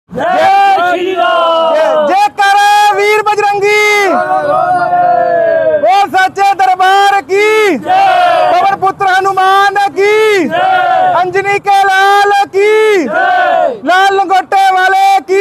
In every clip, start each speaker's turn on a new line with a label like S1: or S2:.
S1: जय श्री राम।
S2: जयकार वीर बजरंगी, वो सच्चे दरबार की, पवन पुत्र हनुमान की, अंजनी के लाल की, लाल लंगोटे वाले की।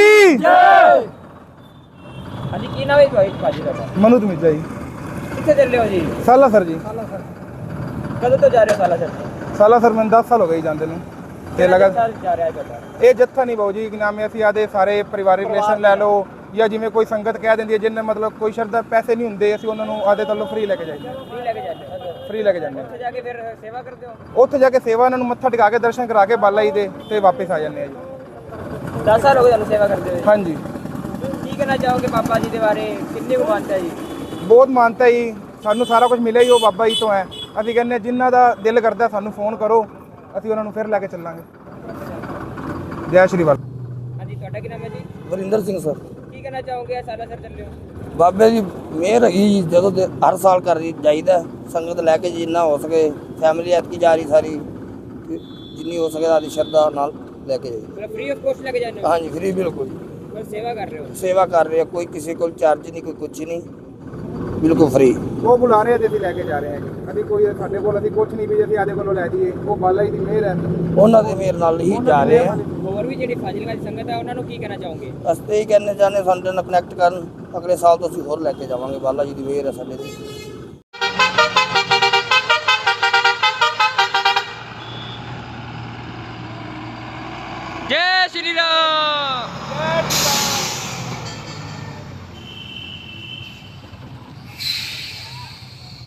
S3: हाँ जी, की नाम है भाई भाजी का?
S2: मनुत मिर्जा जी।
S3: कितने चल रहे हो जी?
S2: साला सर जी।
S3: कदों तो जा रहे हो साला सर?
S2: साला सर मैंने 10 साल हो गए ਜਾਂਦੇ ਨੂੰ ਤੇ ਲਗਾ
S3: साल जा रहा है बेटा?
S2: ਇਹ ਜੱਥਾ ਨਹੀਂ ਬਾਊ ਜੀ, ਕਿ ਨਾਮ ਹੈ, ਅਸੀਂ ਆਦੇ ਸਾਰੇ ਪਰਿਵਾਰਿਕ ਰਿਲੇਸ਼ਨ ਲੈ ਲਓ ਜਾਂ ਜਿਵੇਂ ਕੋਈ ਸੰਗਤ ਕਹਿ ਦਿੰਦੀ ਹੈ ਜਿੰਨੇ ਮਤਲਬ ਕੋਈ ਸ਼ਰਧਾ ਪੈਸੇ ਨਹੀਂ ਹੁੰਦੇ, ਅਸੀਂ ਉਹਨਾਂ ਨੂੰ ਆਦੇ ਤੱਲੋਂ ਫ੍ਰੀ ਲੈ ਕੇ ਜਾਈਏ।
S3: फ्री लेके जाते हो?
S2: ਫ੍ਰੀ ਲੈ ਕੇ ਜਾਂਦੇ
S3: ਉੱਥੇ ਜਾ ਕੇ ਫਿਰ ਸੇਵਾ ਕਰਦੇ ਹੋ?
S2: ਹਾਂ। ਉੱਥੇ ਜਾ ਕੇ ਸੇਵਾ ਉਹਨਾਂ ਨੂੰ ਮੱਥਾ ਟਿਕਾ ਕੇ ਦਰਸ਼ਨ ਕਰਾ ਕੇ ਬਾਲਾ ਜੀ ਦੇ ਤੇ ਵਾਪਸ ਆ ਜਾਂਦੇ ਆ ਜੀ।
S3: 10 ਸਾਲ ਹੋ ਗਏ ਤੁਹਾਨੂੰ ਸੇਵਾ ਕਰਦੇ ਹੋਏ।
S2: ਹਾਂਜੀ,
S3: ਕੀ ਕਹਿਣਾ ਚਾਹੋਗੇ ਬਾਬਾ ਜੀ ਦੇ ਬਾਰੇ? ਕਿੰਨੀ ਕੁ ਮਾਨਤਾ ਹੈ ਜੀ?
S2: ਬਹੁਤ ਮਾਨਤਾ ਜੀ, ਸਾਨੂੰ ਸਾਰਾ ਕੁਝ ਮਿਲਿਆ ਹੀ ਉਹ ਬਾਬਾ ਜੀ ਤੋਂ ਹੈ। ਅਸੀਂ ਕਹਿੰਦੇ ਜਿਨ੍ਹਾਂ ਦਾ ਦਿਲ ਕਰਦਾ ਸਾਨੂੰ ਫੋਨ ਕਰੋ, ਅਸੀਂ ਉਹਨਾਂ ਨੂੰ ਫਿਰ ਲੈ ਕੇ ਚੱਲਾਂਗੇ। ਜੈ ਸ਼੍ਰੀ ਵਾਲ।
S3: ਹਾਂਜੀ, ਤੁਹਾਡਾ ਕੀ ਨਾਮ ਹੈ ਜੀ?
S4: ਵਰਿੰਦਰ ਸਿੰਘ ਸਰ।
S3: ਕੀ ਕਹਿਣਾ ਚਾਹੋਗੇ ਸਾਲਾ ਸਰ ਚੱਲੇ ਹੋ?
S4: ਬਾਬੇ ਦੀ ਮਿਹਰ ਹੈਗੀ ਜੀ, ਜਦੋਂ ਦੇ ਹਰ ਸਾਲ ਕਰ ਜਾਈਦਾ, ਸੰਗਤ ਲੈ ਕੇ ਜਿੰਨਾ ਹੋ ਸਕੇ। ਫੈਮਿਲੀ ਐਤਕੀ ਜਾ ਰਹੀ ਸਾਰੀ, ਜਿੰਨੀ ਹੋ ਸਕੇ ਆਦੀ ਸ਼ਰਧਾ ਨਾਲ ਲੈ ਕੇ ਜਾਈਦਾ।
S3: ਮਤਲਬ ਫ੍ਰੀ ਆਫ ਕੋਸਟ ਲੈ ਕੇ ਜਾਂਦੇ ਹੋ?
S4: ਹਾਂਜੀ, ਫ੍ਰੀ ਬਿਲਕੁਲ।
S3: ਬਸ ਸੇਵਾ ਕਰ ਰਹੇ ਹੋ?
S4: ਸੇਵਾ ਕਰ ਰਹੇ ਆ, ਕੋਈ ਕਿਸੇ ਕੋਲ ਚਾਰਜ ਨਹੀਂ, ਕੋਈ ਕੁਛ ਨਹੀਂ, ਬਿਲਕੁਲ ਫ੍ਰੀ।
S2: ਉਹ ਬੁਲਾ ਰਹੇ ਤੇ ਅਸੀਂ ਲੈ ਕੇ ਜਾ ਰਹੇ ਹਾਂ ਜੀ। ਅਸੀਂ ਕੋਈ ਸਾਡੇ ਕੋਲ ਅਸੀਂ ਕੁਝ ਨਹੀਂ ਵੀ ਅਸੀਂ ਆਦੇ ਕੋਲੋਂ ਲੈ ਜਾਈਏ, ਉਹ ਬਾਲਾ ਜੀ ਦੀ ਮਿਹਰ ਹੈ।
S4: ਉਹਨਾਂ ਦੀ ਮਿਹਰ ਨਾਲ ਹੀ ਜਾ ਰਹੇ ਆ।
S3: ਹੋਰ ਵੀ ਜਿਹੜੀ ਫਾਜ਼ਿਲਕਾ ਦੀ ਸੰਗਤ ਹੈ ਉਹਨਾਂ ਨੂੰ ਕੀ ਕਹਿਣਾ ਚਾਹੋਗੇ?
S4: ਅਸੀਂ ਇਹ ਕਹਿੰਦੇ ਚਾਹੁੰਦੇ ਸਾਡੇ ਨਾਲ ਕਨੈਕਟ ਕਰਨ, ਅਗਲੇ ਸਾਲ ਤੋਂ ਅਸੀਂ ਹੋਰ ਲੈ ਕੇ ਜਾਵਾਂਗੇ। ਬਾਲਾ ਜੀ ਦੀ ਮਿਹਰ ਹੈ ਸਾਡੇ ਤੇ।